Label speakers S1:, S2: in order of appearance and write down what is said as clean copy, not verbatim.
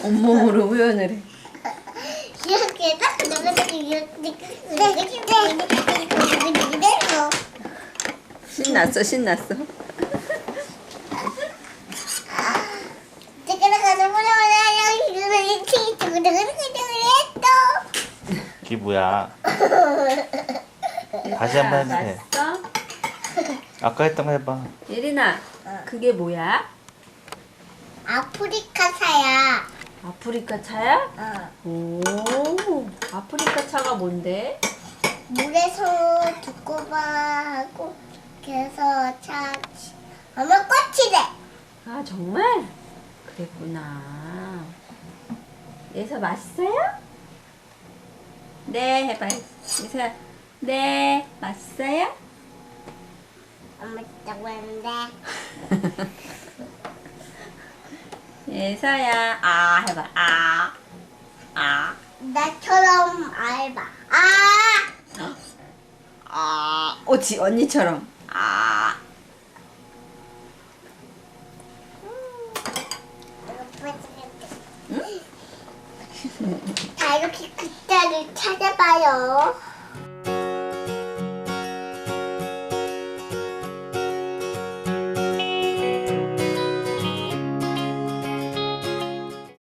S1: 온몸으로 표현을 해.
S2: 이렇게 딱
S1: 신났어, 신났어.
S3: 기부야. 다시 한번 해주세요.
S1: 났어?
S3: 아까 했던 거 해봐.
S1: 예린아, 그게 뭐야?
S2: 아프리카 사야.
S1: 아프리카 차야?
S2: 어.
S1: 오, 아프리카 차가 뭔데?
S2: 물에서 두꺼봐 하고 그래서 차 하면 꽃이 돼.
S1: 아, 정말? 그랬구나. 예서 맛있어요? 네, 해봐. 예서야, 네, 맛있어요?
S2: 엄마 있다고 했는데.
S1: 예서야, 아, 해봐. 아, 아,
S2: 나처럼 알바.
S1: 아. 옳지, 언니처럼. 아.
S2: 다 이렇게 글자를 찾아봐요.